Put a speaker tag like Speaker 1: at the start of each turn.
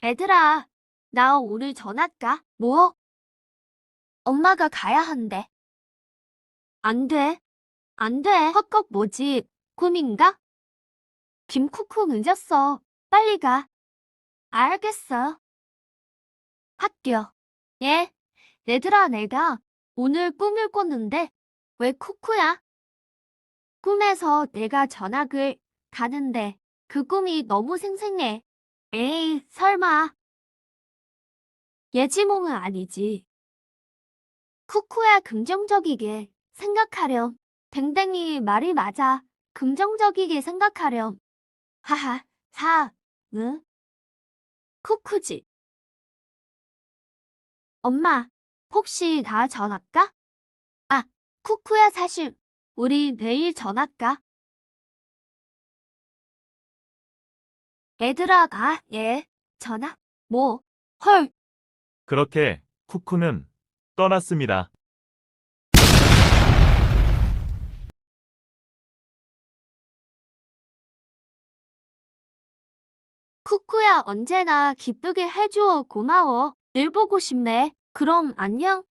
Speaker 1: 얘들아, 나 오늘 전학가? 뭐? 엄마가 가야 한대. 안 돼. 안 돼. 헛것 뭐지? 꿈인가? 김쿠쿠 늦었어. 빨리 가. 알겠어. 학교. 예? 얘들아, 내가 오늘 꿈을 꿨는데 왜 쿠쿠야? 꿈에서 내가 전학을 가는데 그 꿈이 너무 생생해. 에이, 설마. 예지몽은 아니지. 쿠쿠야 긍정적이게 생각하렴. 댕댕이 말이 맞아. 긍정적이게 생각하렴. 하하, 응? 쿠쿠지. 엄마, 혹시 나 전학 가? 아, 쿠쿠야 사실 우리 내일 전학 가. 얘들아 가. 예. 전학? 뭐? 헐.
Speaker 2: 그렇게 쿠쿠는 떠났습니다.
Speaker 1: 쿠쿠야 언제나 기쁘게 해줘. 고마워. 늘 보고 싶네. 그럼 안녕.